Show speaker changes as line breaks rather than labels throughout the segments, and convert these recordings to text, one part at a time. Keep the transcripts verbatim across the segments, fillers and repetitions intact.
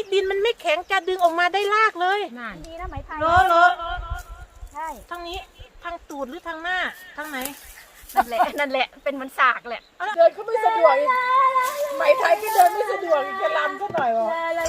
ดินมันไม่แข็งจะดึงออกมาได้ลากเลยนั่น
ดีนะไหมไทย
โลโล
ใช่
ทางนี้ทางตูดหรือทางหน้าทางไหน
นั่นแหละนั่นแหละเป็นมันสากแหละ
เดินเขาไม่สะดวกไหมไทยก็เดินไม่สะดวกจะลำก็หน่อยวะ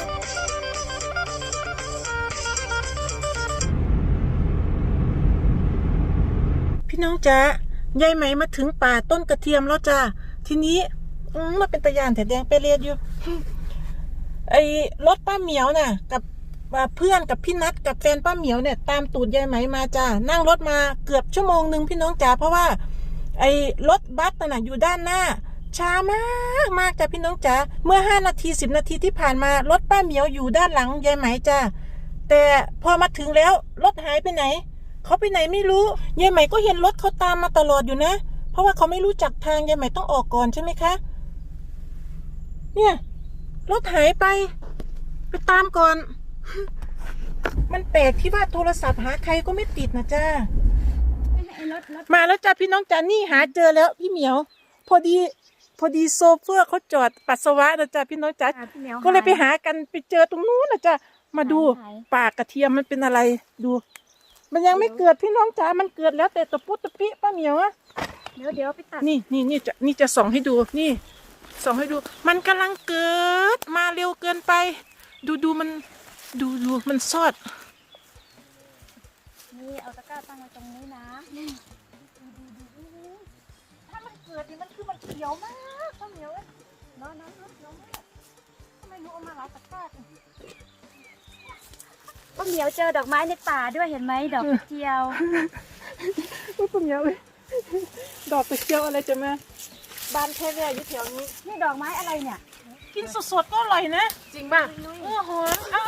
พี่น้องจ๊ะยายไหมมาถึงป่าต้นกระเทียมแล้วจ้าทีนี้มาเป็นตะยานแต่แดงไปเรียนอยู่ไอ้รถป้าเหมียวน่ะกับเพื่อนกับพี่นัทกับแฟนป้าเหมียวเนี่ยตามตูดยายไหมมาจ้านั่งรถมาเกือบชั่วโมงหนึ่งพี่น้องจ๋าเพราะว่าไอ้รถบัสน่ะอยู่ด้านหน้าช้ามากมากจ้าพี่น้องจ๋าเมื่อห้านาทีสิบนาทีที่ผ่านมารถป้าเหมียวอยู่ด้านหลังยายไหมจ้าแต่พอมาถึงแล้วรถหายไปไหนเขาไปไหนไม่รู้ยายไหมก็เห็นรถเขาตามมาตลอดอยู่นะเพราะว่าเขาไม่รู้จักทางยายไหมต้องออกก่อนใช่ไหมคะเนี่ยรถหายไปไปตามก่อนมันแปลกที่ว่าโทรศัพท์หาใครก็ไม่ติดนะจ้ามาแล้วจ้าพี่น้องจ้านี่หาเจอแล้วพี่เหมียวพอดีพอดีโซเฟอร์เขาจอดปัสสาวะนะจ้าพี่น้องจ้าก็เลยไปหากันไปเจอตรงนู้นนะจ้ามาดูปากกระเทียมมันเป็นอะไรดูมันยังไม่เกิดพี่น้องจ๋ามันเกิดแล้วแต่ตะปุตตะปิป้าเหมียวอะ
เดี๋ยวเดี๋ยวไปตัด
นี่นี่นี่จะนี่จะส่องให้ดูนี่ส่องให้ดูมันกำลังเกิดมาเร็วเกินไปดูดูมันดูดูมันซอด
นี่เอาตะกร้าตั้งไว้ตรงนี้นะนี่ดูดูดูถ้ามันเกิดนี่มันคือมันเขียวมากป้าเหมียวเอ้ยน้อยน้อยน้อยน้อยทำไมหนูเอามาหลายตะกร้าป้าเหมียวเจอดอกไม้ในป่าด้วยเห็นไหมดอกกระเจียว
ป้าเหมียวเลยดอกกระเจียวอะไรจะมาบานแค่แร่อยู่แถวนี้
นี่ดอกไม้อะไรเนี่ย
กินสดๆก็อร่อยนะ
จริงป่ะ
เออหอมอ่ะ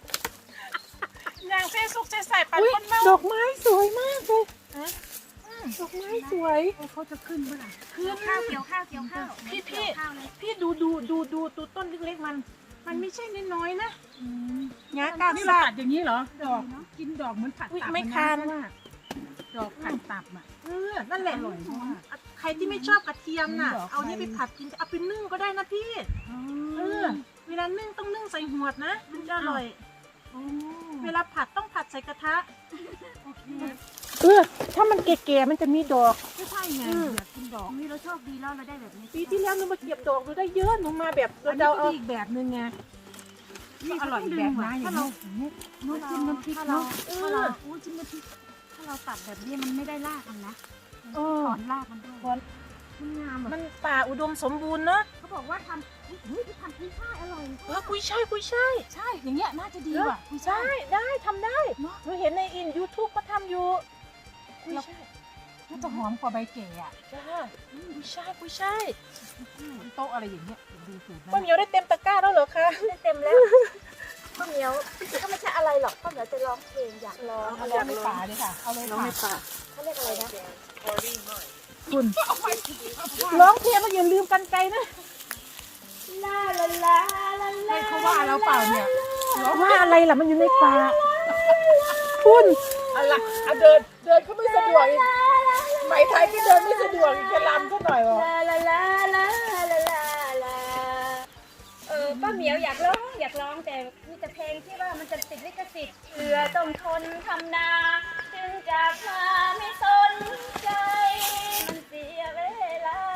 อย่างเส้นสุกใส่ใส่ปันคนเมาดอกไม้สวยมากเลยดอกไม้สวย
เขาจะขึ้นเมื่อไหร่
ขึ้น
ข้าวเกี่ยวข้าวเกี่ยวข้าว
พี่พี่พี่ดูดูดูดูดูต้นเล็กๆมันมันไม่ใช่น้อยๆนะงากา
นี่เราผัดอย่างนี้เหรอดอกกินดอกเหมือนผัดตับ
ไม่คาน
ดอกผัดตับอ่ะ
เออนั่นแหละใครที่ไม่ชอบกระเทียมน่ะเอานี่ไปผัดกินเอาไปนึ่งก็ได้นะพี่เออเวลานึ่งต้องนึ่งใส่หัวนะมันจะอร่อยเวลาผัดต้องผัดใส่กระทะเออถ้ามันแก่ๆมันจะมีดอก
ไม่ใช่ไงอยากกินดอกนี่เราโชคดีแล้วเราได้แบบนี้
ปีที่แล้วหนูมาเก็บดอกหนูได้เยอะหนูมาแบบ
เราเอาอีกแบบนึงไงนี่อร่อยแบบนะอย่างนี้
นู้นจิ้มน้ำพริกเนาะถ้าเราอู้จิ้มน้ำพริกถ้าเราตัดแบบนี้มันไม่ได้รากมันนะถอนรากมันด้วยมันงามแบบ
มันป่าอุดมสมบูรณ์เนาะ
เขาบอกว่าทำนี่ทำกุ้ยช่ายอร่อย
เออกุ้ยช่ายกุ้ยช่าย
ใช่อย่างเงี้ยน่าจะดีว่ะ
กุ้ยช่ายได้ทำได้หนูเห็นในอินยูทูบเขาทำอยู่
กุ้ยช่ายน่าจะหอมกว่าใบเก๋อ่ะ
จ้ากุ้ยช่ายกุ้ยช่าย
โต๊ะอะไรอย่างเงี้ยดูสูตร
ป้าเหมียวได้เต็มตะกร้าแล้วเหรอคะ
ได้เต็มแล้วป้าเหมียวก็ไม่ใช่อะไรหรอกป้าเหมียวจะร้องเพลงอยากร้อง
เอาเลยในป่าเลยค่ะเอาเลย
ร้องในป่า
เขาเรียกอะไรนะ
คุณร้องเพลงแล้วอย่าลืมกันไกลนะ
ลาลาลาลาลา
เขาว่าเราเปล่าเนี่ย
ร้องว่าอะไรล่ะมันอยู่ในป่าคุณ
อะไรเดินเดินเขาไม่สะดวกไหมไทยก็เดินไม่สะดวกจะลำก็หน่อยวะ
ลาลาลาลาลาลาลาเออป้าเหมียวอยากร้องอยากร้องแต่มีแต่เพลงที่ว่ามันจะติดลิขสิทธิ์เอือต้องทนทำนาจึงจะพาไม่สนใจมันเสียเวลา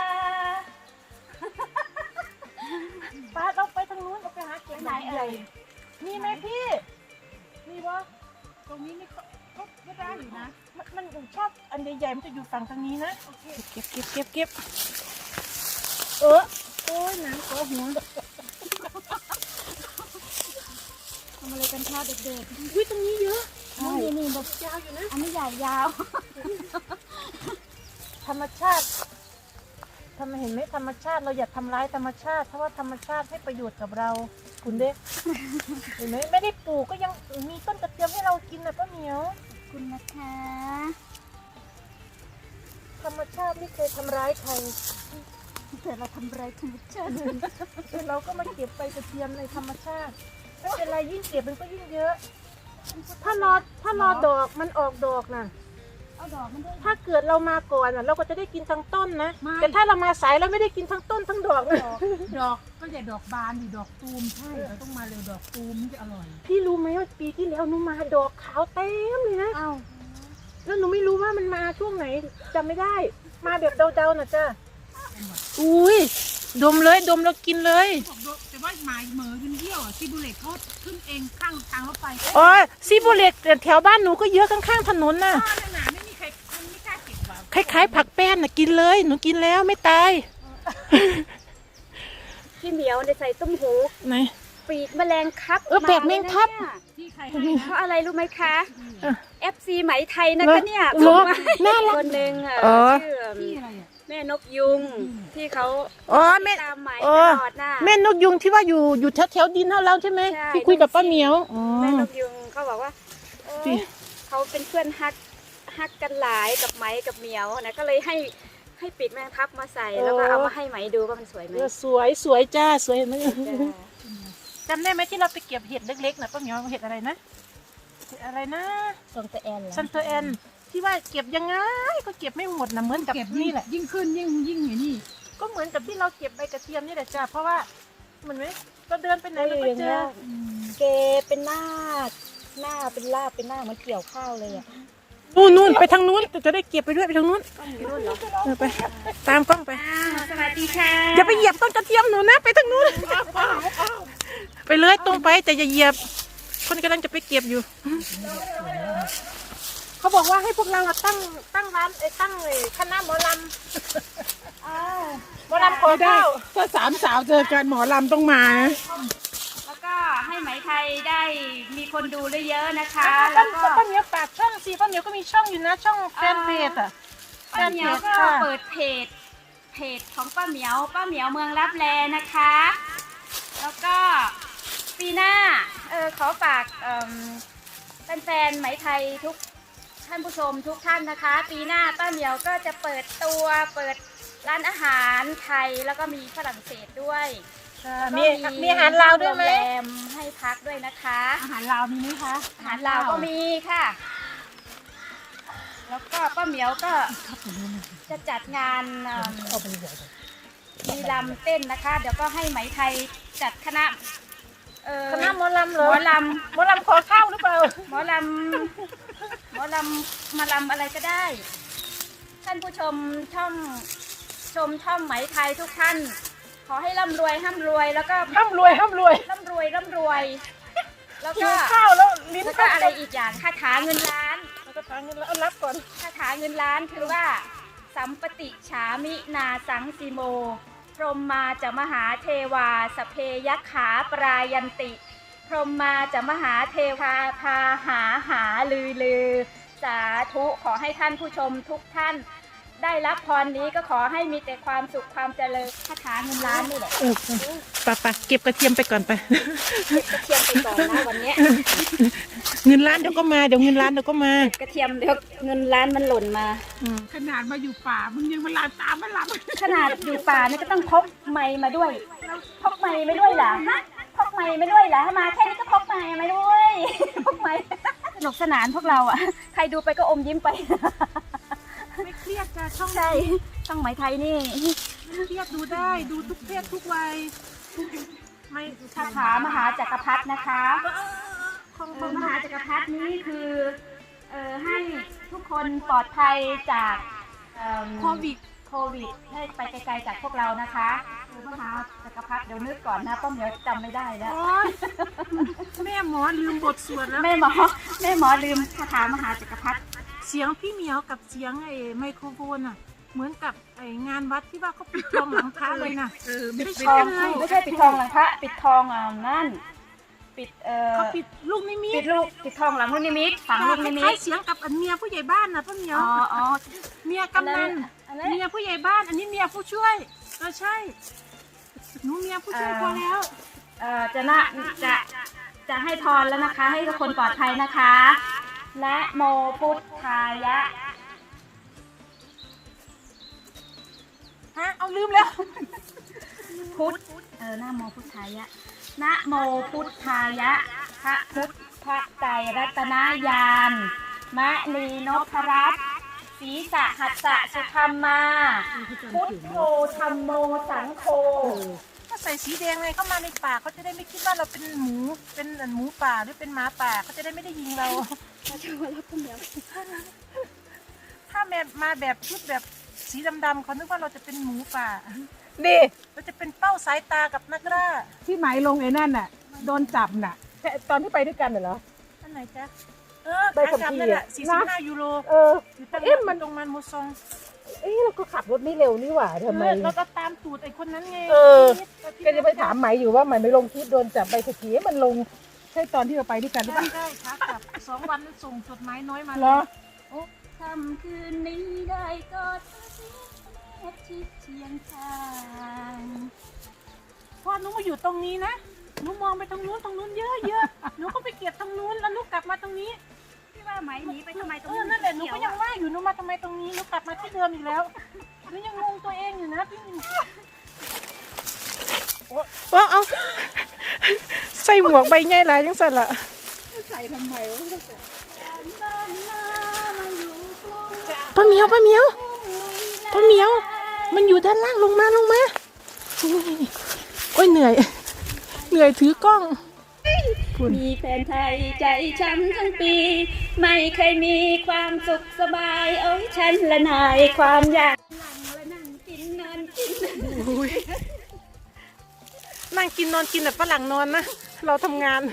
ป้าเราไปทางนู้นเราไปหาเก็บไหนเอ่ยมีไหมพี่มีวะ
ตรงนี้นี่ก็ก็ได้อยู่นะ
มันมันชอบอันใหญ่ๆมันจะอยู่ฝั่งทางนี้นะเก็บเก็บเก็บเก็บเออโอ้ยน้ำก็หัว
ทำอะไรกันคะเด็ก
ๆอุ้ยตรงนี้เยอะ
นี่นี่แบบ
ยาวอยู่นะ
อันนี้ใหญ่ยาว
ธรรมชาติทำไมเห็นไหมธรรมชาติเราอย่าทำร้ายธรรมชาติเพราะว่าธรรมชาติให้ประโยชน์กับเราคุณเด็กเห็นไหมไม่ได้ปลูกก็ยังมีต้นกระเทียมให้เรากินนะป้าเหมียว
คุณนะคะ
ธรรมชาติไม่เคยทำร้ายใคร
แต่เราทำร้ายธรรมชาติ
เราก็มาเก็บใบกระเทียมในธรรมชาติไม่เป็นไรยิ่งเก็บมันก็ยิ่งเยอะถ้ารอถ้ารอดอกมันออกดอกน่ะ
เอาดอกมันด้วย
ถ้าเกิดเรามาก่อนอะเราก็จะได้กินทั้งต้นนะ
ไม่
แต่ถ้าเรามาสายเราไม่ได้กินทั้งต้นทั้งดอกนะ
ดอกดอกก็อย่าดอกบานดิดอกตูมใช่เราต้องมาเร็วดอกตูมมันจะอร่อย
พี่รู้ไหมว่าปีที่แล้วหนูมาดอกขาวเต็มเลยนะ
เอ้า
แล้วหนูไม่รู้ว่ามันมาช่วงไหนจำไม่ได้ มาแบบเดาๆน่ะจ้ะอุ้ยดมเลยดมแล้วกินเลย
บอกดอกแต่ว่าหมายเหมอขึ้นเที่ยวอ่ะที่บุเล็ตเขาขึ้นเองข้างทางรถไฟ
อ๋อซีโบเล็กแถวบ้านหนูก็เยอะข้างๆถนนน่ะ
ข้างหนาไม่มีใครมันไม่กล้าเก็บว่ะ
คล้ายๆผักแป้นน่ะกินเลยหนูกินแล้วไม่ตาย
พี่เหมียวได้ใส่ต้มหู
ไหน
ปีกแมลงครับ
เออแปลกแมงทับ
าเลยนะ
ที่ใคร
เนี่ยเพราะอะไรรู้ไหมคะ
เออ
เอฟ ซี ไหมไทยนะคะเนี่ย
เหรอ
ส่งมา
น่ารัก
คนหนึ่งอ่ะ
อ๋อ
ชื่อ
ที่อะไรอ่ะ
แม่นกยุงที่เขา
อ๋อแม่
ตามไหม
เอ
ต
อ
ลอดน่ะ
แม่นกยุงที่ว่าอยู่อยู่แถวๆดินเท่าเราใช่ไหม
ใช่
ที่คุยกับป้าเหมียวอ๋อ
แม่นกยุงเขาบอกว่าโอ้
ที่
เขาเป็นเพื่อนฮักฮักกันหลายกับไหมกับเหมียวนะก็เลยให้ให้ปีกแมงทับมาใส่แล้วก็เอามาให้ไหมดูว่ามันสวยไหม
เออสวยสวยจ้าสวยเห็นไหม
จ้ะ
จำได้ไหมที่เราไปเก็บเห็ดเล็กๆนะป้าเหมียวเห็ดอะไรนะเห็ดอะไรนะ
ส่งแต่แอนเหรอ
ซันเตอร์แอนที่ว่าเก็บยังไงก็เก็บไม่หมดนะเหมือนกับ
เก็บ
นี่แหละ
ยิ่งขึ้นยิ่งยิ่งอย่างนี้
ก็เหมือนกับที่เราเก็บใบกระเทียมนี่แหละจ้าเพราะว่าเหมือนไหมเราเดินไปไหนเราก็เจอ
เกเป็นหน้าหน้าเป็นลาบเป็นหน้าเหมือนเกี่ยวข้าวเลยอ่ะ
นู่นนู่นไปทางนู้นจะได้เก็บไปด้วยไปทางนู้น
ต้องอยู่นู่นเหรอ
เออไปตามกล้องไป
อ้าวสวัสดีค่ะ
อย่าไปเหยียบต้นกระเทียมหนูนะไปทางนู้นไปเลยตรงไปแต่อย่าเหยียบคนกำลังจะไปเก็บอยู่เขาบอกว่าให้พวกเราอะตั้งตั้งร้านไอ้ตั้งไอ้คณะหมอลำ
อ้าว
หมอลำขอ
ได้
ข้าว
ถ้าสามสาวเจอกันหมอลำต้องมานะ
แล้วก็ให้ไหมไทยได้มีคนดูเยอะๆนะคะ
ป้า
แล้วก็
ป้าเหมียวฝากช่องสิป้าเหมียวก็มีช่องอยู่นะช่องแฟนเพจอ่ะแฟ
ป้าน เหมี
เพ
ยว
จ
ก็
ค่ะ
เปิดเพจเพจของป้าเหมียวป้าเหมียวเมืองลับแลนะคะ แล้วก็ปีหน้าเออขอฝากเอิ่มแฟนๆไหมไทยทุกท่านผู้ชมทุกท่านนะคะ ปีหน้าป้าเหมียวก็จะเปิดตัวเปิดร้านอาหารไทยแล้วก็มีฝรั่งเศสด้วย
มีมีอาหารลาวด้วยไหม
โรงแรมให้พักด้วยนะคะ
อาหารลาวมีไหมคะ
อาหารลาวก็มีค่ะ แล้วก็ป้าเหมียวก็จะจัดงานเอิ่มมีลำเต้นนะคะ เดี๋ยวก็ให้ไหมไทยจัดคณะเอ่อ
คณะหมอลำเหร
ห
อ
มอล
หมอลำขอข้าวหรือเปล่า
ำหมอลำหมอลำมาลำอะไรก็ได้ ท่านผู้ชมช่องชมช่องไหมไทยทุกท่าน ขอให้ร่ำรวยร่ำรวยแล้วก็
ห้ามรวยห้ามรวย
ร่ำรวยร่ำรวย แล้ว
หิ
ก็
วข้าวแล้วลิ้น
แล้วก็อะไรอีกอย่างคาถาเงินล้าน
แล้วก็ทางเงินแล้วเอารับก่อน
คาถาเงินล้านคือว่า สัมปติฉามินาสังสีโม พรหมมาจะมหาเทวาสพเพยักขาปรายันติ พรหมมาจะมหาเทวาพาหาหาลือลือ สาธุขอให้ท่านผู้ชมทุกท่าน ได้รับพรนี้ก็ขอให้มีแต่ความสุขความเจริญคาถาเงินล้านนี่แหละ
เออไปไปเก็บกระเทียมไปก่อนไป
เก็บกระเทียมไปก่อนนะวันเนี้ย
เงินล้านเดี๋ยวก็มาเดี๋ยวเงินล้านเดี๋ยวก็มาก
ระเทียมเดี๋ยวเงินล้านมันหล่นมา
อืม
ขนาดมาอยู่ป่ามึงยังมาลามตามมาลาม
ขนาดอยู่ป่านี่ก็ต้องพกไม้มาด้วย พกไม้มาด้วยเหรอฮะพกไม้มาด้วยเหรอมาแค่นี้ก็พกไม้มาด้วย พกไม้สนุกสนานพวกเราอ่ะ ใครดูไปก็อมยิ้มไป
ไม่เครียดจ้ะช่อง
ใช่ช่องไหมไทยนี่
เครียดดูได้ดูทุกเพศทุกวัยไม่
คาถามหาจักรพรรดินะคะ
ของ
เอ
ผ
อ
ม
มหาจักรพรรดินี้คือเอ่อให้ทุกคนปลอดภัยจากเอิ่ม
โควิด
โควิดให้ไปไกลๆจากพวกเรานะคะคือมหาจักรพรรดิเดี๋ยวนึกก่อนนะป้าเหมียวจำไม่ได้แล้ว
โอ๊ยแม่หมอลืมบทสวดแล้ว
แม่หมอแม่หมอลืมคาถามหาจักรพรรดิ
เสียงพี่เหมียวกับเสียงไอ้ไมโครโฟนอ่ะ เหมือนกับไอ้งานวัดที่ว่าเขาปิดทองหลังพระเลยนะ
เออ
ไม่
ปิด
ใช่
ทอง
เลย
ไม่ใช่ปิดทองหลังพระปิดทองอ่านั่นปิดเอ่อ
เขาปิดลูกนิมิ
ปิ
ต
ดลูกปิดทองหลังลูกนิมิตฝังลูกนิมิ
คล้า
ต
ยๆเสียงกับอันเมียผู้ใหญ่บ้านนะพ่อเหมียว
อ๋ออ๋อ
เมียกำนัน
อันนั้น
เมียผู้ใหญ่บ้านอันนี้เมียผู้ช่วยเออใช่หนูเมียผู้ช่วยพอแล้ว
เอ่อจะนะจะจะให้พรแล้วนะคะ ให้ทุกคนปลอดภัยนะคะ และโมพุทธายะ
ฮะเอาลืมแล้ว
พุทธเออนะโมพุทธายะนะโมพุทธายะพระพุทธพระไตรรัตนายานมะนีนพรัตน์ศีสะหัสสะสุธรรมมาพุทโธธัมโมสังโฆ
ถ้าใส่สีแดงไงเข้ามาในป่าเขาจะได้ไม่คิดว่าเราเป็นหมูเป็นหมูป่าหรือเป็นหมาป่าเขาจะได้ไม่ได้ยิงเรา
เราจะมารับคนเดียว
ถ้าแม่มาแบบชุดแบบสีดำๆเขานึกว่าเราจะเป็นหมูป่า
นี่
เราจะเป็นเป้าสายตากับนักล่า
ที่ไหมลงไอ้นั่นน่ะ โดนจับน่ะแค่ตอนที่ไปด้วยกันน่ะเหรอ
อันไหนจ๊ะเออ
ใบขับ
ขากลั
ขี่
นั่นแหละ
อะ
สี่สิบห้า
นะ
ยูโร
เออ
อยู่ตั้ง
เอ๊ะมัน
ตรงมันโมซอง
เอ๊ะเราก็ขับรถไม่เร็วนี่หว่าทำไม
เออเราก็ตามตูดไอ้คนนั้นไง
เออ
พี่
ก็จะไปถามไหมอยู่ว่าไหมไม่ลงคลิปโดนจับใบขับขี่มันลงใช่ตอนที่เราไปด้วยกันหรือเป
ใช่
ล่า
ใช่ขากลับสองวันส่งจดหมายน้อยมา
เหรอ
ค่ำคืนนี้ได้กอดเธอแนบชิดเชียงข้าง
พอหนูมาอยู่ตรงนี้นะหนูมองไปตรงนู้นตรงนู้นเยอะเยอะหนูก็ไปเก็บตรงนู้นแล้วหนูกลับมาตรงนี้
ที่ว่าไหมหนีไปทำไมตรง
เอ
นี้
อนั่นแหละหนูก็ยังว่าอยู่หนูมาทำไมตรงนี้หนูกลับมาที่เดิมอีกแล้วหนูยังงงตัวเองอยู่นะพี่ว่าเอาใส่หมวกใบใหญ่หลายจังสั่นละ
ใส่ทำไมวะ
ป้าเหมียวป้าเหมียวป้าเหมียว มันอยู่ด้านล่างลงมาลงมาโอ้ยเหนื่อย เหนื่อยถือกล้อง
มีแฟนไทยใจช้ำทั้งปี ไม่เคยมีความสุขสบายโอ้ยฉันละนายความอยากหลังและนั่งกินนอนกิน
นั่งกินนอนกินแบบฝรั่งนอนนะ เราทำงาน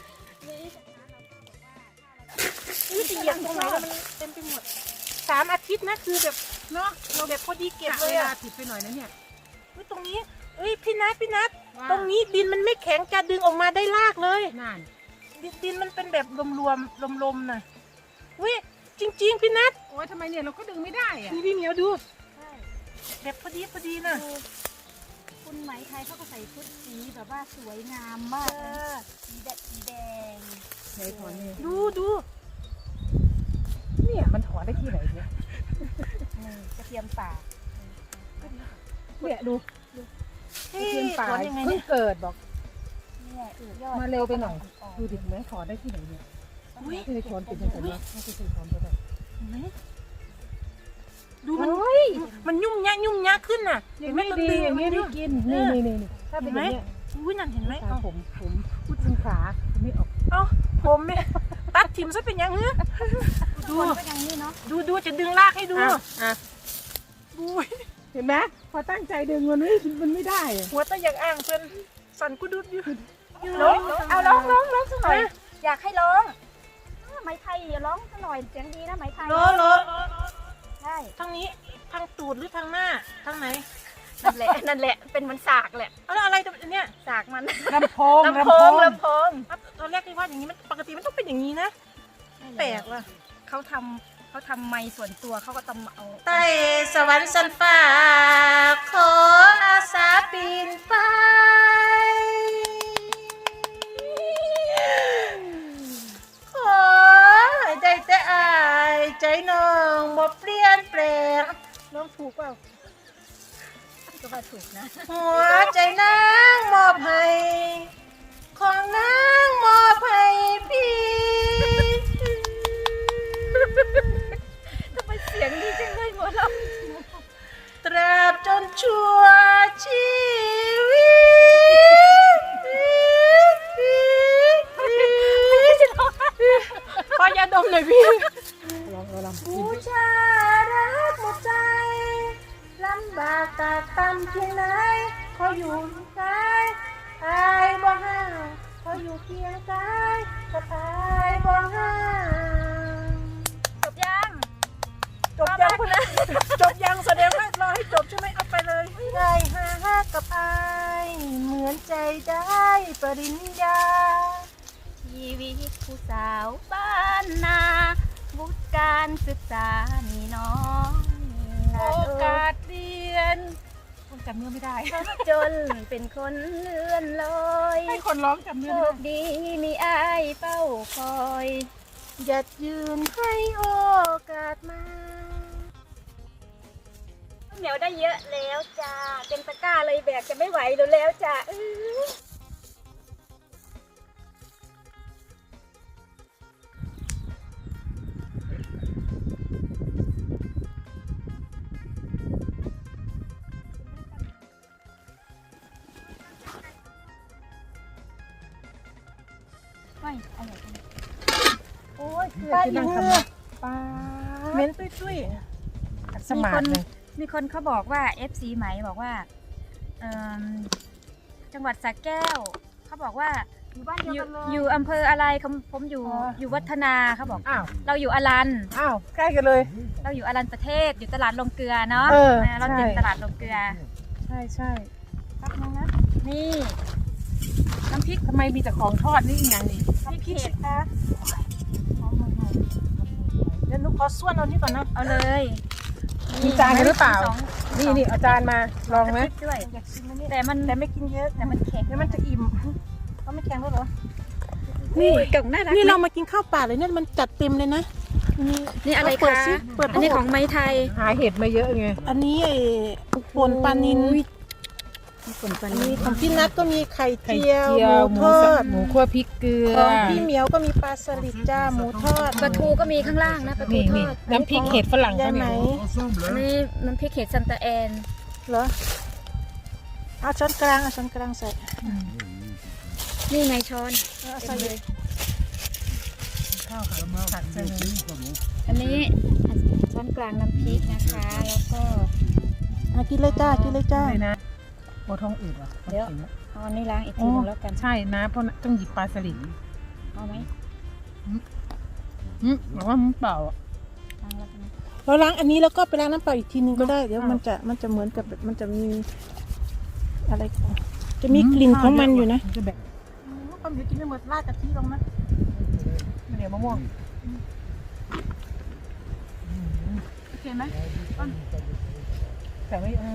นี่จะเหยียบตรงไหนแล้วมันเต็มไปหมดสามอาทิตย์นะคือแบบเนาะเราแบบพอดีเก็บ
เว
เลย
ลา
อะ
ผิดไปหน่อยนะเนี่ย
เฮ้ยตรงนี้เอ้ยพี่นัทพี่นัท
ว่า
ตรงนี้ดินมันไม่แข็งจะดึงออกมาได้ลากเลย
นั่น
ดินดินมันเป็นแบบรวมๆลมๆน่ะเว้ยจริง ๆ พี่นัท
โอ้ยทำไมเนี่ยเราก็ดึงไม่ได้อะ
นี่พี่เหมียวดูแบบพอดีพอดีน่ะ
คุณไหมไทยเขาก็ใส่ชุดสีแบบว่าสวยงามมาก
เออ
สีแดงสีแดง
ไหนถอนเนี่ย
ดูดู
เนี่ยมันถอนได้ที่ไหนเนี่ย
นี่กระเทียมป่า
เนี่ยดู
เฮ้ย
เทียนป่า
ถอนยังไง
เพิ่
เนี่
ง
ย
เกิดบอก
เนี่ยเออยอด
มาเร็วไปหน่อย ดูดิแม่ถอนได้ที่ไหนเนี่ย
อุ๊ย
ไม่ได้ถอนเป็นยังไงวะไม่ได้ถอนก็ได้
เห็นไหมดูมัน
โอ้ย
มันยุ่มยากยุ่มยากขึ้นน่ะ
อย่างนี้ดีอย่างนี้ไม่กินนี่นี่นี่นี่ถ้าเป็นอย่างเนี้ย
อุ้ยนั่นเห็นไหม
ขา
เอา
ผมผมพูดถึงขาไม่ออก
เอาผมเนี่ยตัดทิมซะเป็นยังเงี้ยดู
คนก็อย่างนี้เนาะ
ดูดูจะดึงลากให้ดู
อ่ะอ่ะ
อุ้ย
เห็นไหมพอตั้งใจดึงมันไม่มันไม่ได้อะ
หัวตะอยากอ่างเพื่อนสั่นกูดุดอยู่
ร้องเอาร้องร้องร้องสักหน่อย อยากให้ร้องไหมไทยอย่าร้องสักหน่อยเสียงดีนะไหมไทย
โลโล
ใช่
ทางนี้ทางตูดหรือทางหน้าทางไหน
นั่นแหละนั่นแหละเป็นเหมันสากแหละ
เอาแล้วอะไรตัวเนี้ย
สากมัน
ลำโพง
ลำโพงลำโพง
ตอนแรกที่ว่าอย่างนี้มันปกติมันต้องเป็นอย่างนี้นะแปลกว่ะ
เขาทำเขาทำไม้ส่วนตัวเขาก็ต้องเอา
ใต้สวรรค์สันฟ้าขออาสาปีนไปขอให้ได้แต่อายใจน้องบ่เปลี่ยนแปลงน้องถูกเปล่า
ก็ว่าถูกนะ
หัวใจนางมอบให้ของนางมอบให้พี่
ทำไมเสียงดีจังเลยหมดแล้ว
ตราบจนชั่วชีวิตขอยาดมหน่อยพี่
ลองลอง
บูชารักหมดใจลำบากตากตำเพียงไหนขออยู่กายอายบ่ห่างขออยู่เพียงกายกับอายบ่ห่าง
จบยัง
จบยังคุณนะจบยังแสดงว่ารอให้จบใช่ไหมเอาไปเลยได้หากับอายเหมือนใจได้ปริญญา
ชีวิตผู้สาวบ้านนาวุฒิการศึกษามีน้อย
โอกาสเรียนจำเนื้อไม่ได้
จนเป็นคนเลื่อนลอย
ให้คนร้องจำเนื้
โช
อ
คดีมีอายเฝ้าคอย
หยัดยืนให้โอกาสมา
เหนียวได้เยอะแล้วจ้าเต็มตะกร้าเลยแบกจะไม่ไหวแล้วจ้าอื้อ
ปลาอี
นั่ง
เหื
ทำ
อ
ปลา
เหม็นตุ้ย
สมาร์ทเลย
มีคนเขาบอกว่า เอฟ ซี ไหมบอกว่าเอิ่มจังหวัดสระแก้วเขาบอกว่า
ๆอยู่บ้านเดียว
อยู่
กันเลย
อยู่อำเภออะไรผมผมอยู่
อ๋อ
อยู่วัฒนาเขาบอก
อ้าว
เราอยู่อรัน
อ้าวใกล้กันเลย
เราอยู่อรันประเทศอยู่ตลาดลงเกลือเนาะ
เออ
นะเราติด
ใช่
ตลาดลงเกลือ
ใช่ใช่
แป๊บนึงนะ
นี่น้ำพริก
ทำไมมีแต่ของทอดนี่อีกอย่างนี่
พริกเผ็ด
คะเดี๋ยวหนูขอส่วนเอานี่ก่อนนะ
เอาเลย
มีจานกันหรือเปล่า
สอง
นี่นี่เอาจารย์มาลองไหม
พริกด้วย
อยากชิมอันนี้
แต่มัน
แต่ไม่กินเยอะ
แต่มันแข็ง
เดี๋ยวมันจะอิ่มเขาไม่แข็งแล้วเหรอ
นี่กล่องน่ารัก
นี่
ไหม
เรามากินข้าวเปล่าเลยเนี่ยมันจัดเต็มเลยนะนี่
นี่อะไร
เปิด
คะ
สิเปิด
อันนี้ของไม้ไทย
หาเห็ดมาเยอะไง
อันนี้ไอ้ป่นปลานิล
มีผลปลา
อัน
นิ
นี้
ล
ของพี่นัทก็มีไข่
ไข่
เจียว
เจีย
ห
ว
มู
หมู
ทอ
สั
ด
บหมูคั่วพริกเกลือ
ของพี่เหมียวก็มีปลาสลิดจ้าหมูทอด
ปลาทูก็มีข้างล่างนะปลาทู
นี่
ท
นี่
อด
น้ำพริกเห็ดฝรั่ง
ยา
เขา
ยไหม
เนี่ย
อันนี้น้ำพริกเห็ดซันตาแอน
เหรอเอาช้อนกลางเอาช้อนกลางใส่
นี่ไงช้อน
เอาใส่เลย
ข้าวขาผัดใช่ไหม
อันนี้ช้อนกลางน้ำพริกนะคะ แล้วก็
อ่ะกินเลยจ้ากินเลยจ้า
เลยนะโอท้องอืดเหรอ
เดี๋ยว เอาอันนี้ล้างอีกทีหนึงแล้วกัน
ใช่นะเพราะต้องหยิบปลาสลิด
เอาไหม
อืมบอกว่ามันเปล่าอ่ะ
ล้างแล้วกันนะ
เราล้างอันนี้แล้วก็ไปล้างน้ำเปล่าอีกทีนึงก็ได้เดี๋ยวมันจะมันจะเหมือนกับแบบมันจะมีอะไรของจะมีกลิ่นของมันอยู่นะ
จะแบบ
ความเดี๋ยวกินไม่หมดราดกะทิลงนะ
เดี๋ยวมะม่วง
โอเคไหม
แต่ไม่เออ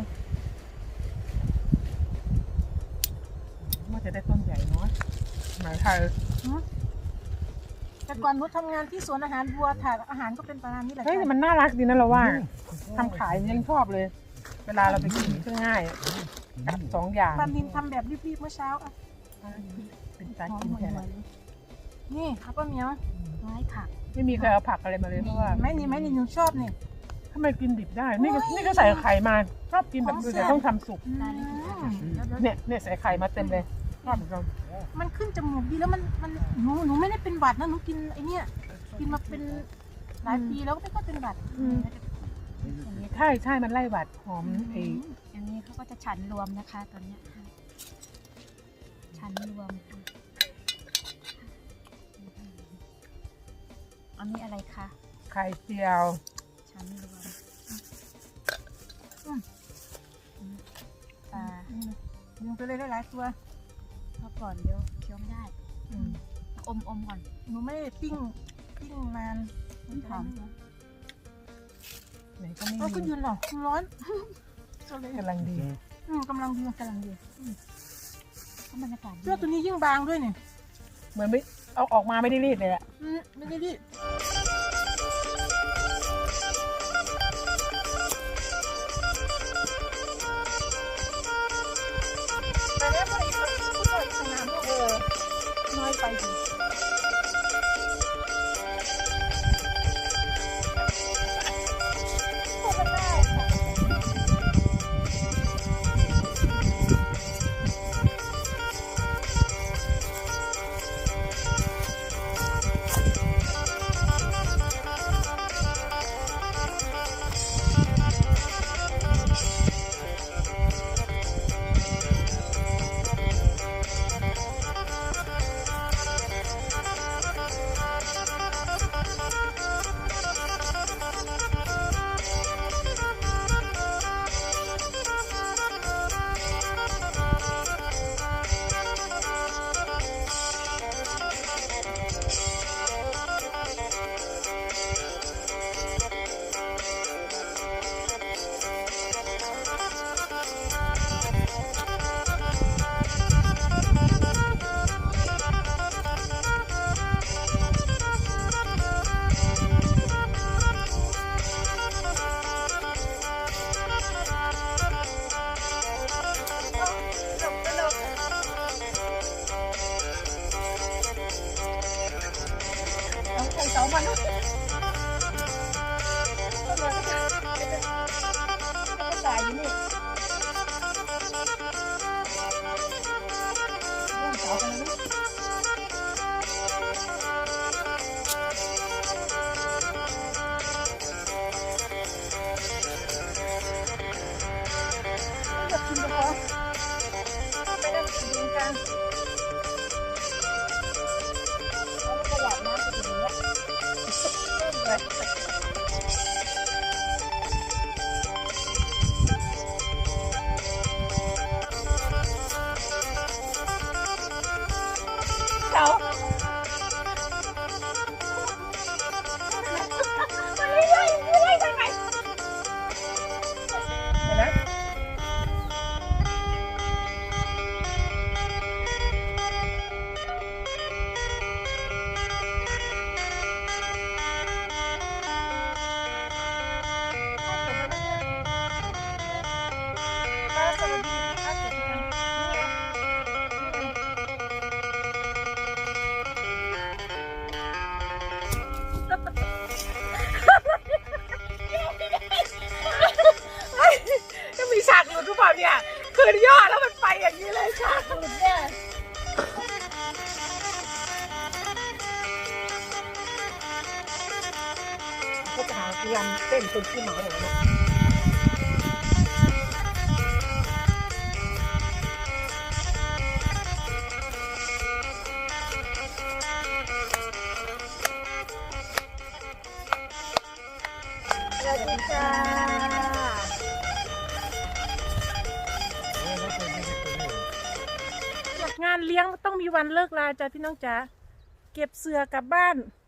ว่าจะได้ต้นใหญ่เนาะหมายไทย
แต่ก่อนนุชทำงานที่สวนอาหารวัวถ่ายอาหารก็เป็นประมาณนี้แหละ
เฮ้ยแต่มันน่ารักดีนะเราว่าทำขายยังชอบเลย เวลาเราไปกินก็ง่ายกับสองอย่าง
ปลานินทำแบบรีบๆเมื่อเช้าอ่ะ
เป็นการกินแทน
นี่เอาป้าเหมียว
ไม้ผัก
ไม่มีใครเอาผักอะไรมาเลยเพราะว่า
แม่นี่แม่นี่หนูชอบนี่
ทำไมกินดิบได้ นี่ก็นี่ก็ใส่ไข่มาชอบกินแบบดูแต่ต้องทำสุก
ได้เลยค่ะแล้วแล้ว
เนี่ยเนี่ยใส่ไข่มาเต็มเลยชอบเหมือนกัน
มันขึ้นจมูกดีแล้วมันมันหนูหนูไม่ได้เป็นหวัดนะหนูกินไอเนี้ยกินมาเป็นหลายปีแล้วก็ไม่ก็เป็นหวัด
อย่างนี้
ใช่ใช่มันไล่หวัดหอมไอ้
อันนี้เขาก็จะฉันรวมนะคะตอนเนี้ยฉันรวมค่ะอันนี้อะไรคะ
ไข่เจียว
ฉันรวมปลา
ยิงไปเลยได้หลายตัว
เพราะก่อนเดี๋ยวเคี้ยวไม่ได้อมอมก่อน
หนูไม่ได้ปิ้งปิ้งนาน
มันหอม
ไหนก็ไม่
เอาก็
มี
ยืนหรอร้อนก็เลย
กำลังดี
อืมกำลังดี
กำลังดีเพราะบรรยากาศดี
เสื้อตัวนี้ยิ่งบางด้วยเนี่ย
เหมือนไม่เอาออกมาไม่ได้รีดเลยอะ
อืมไม่ได้ดิแต่แล้วพออีกสักผู้ชายสนามเออน้อยไปดิพูดกันได้ค่ะชิมก่อนไปเล่นดินกันเอาลูกกระหล่ำน้ำไปถึงแล้วเจ้าไม่ได้ไม่ได้ทำไมเห็นไหมป้าสวัสดีค่ะเสร็จยังจะมีฉากหลุดหรือเปล่าเนี่ยคืนย่อแล้วมันไปอย่างนี้เลยฉากหลุดเนี่ยก็จะหาพยายามเต้นคนที่หมาเหรอเนี่ยสวัสดีค่ะงานเลี้ยงต้องมีวันเลิกลาจ้ะพี่น้องจ๋าเก็บเสือกลับบ้าน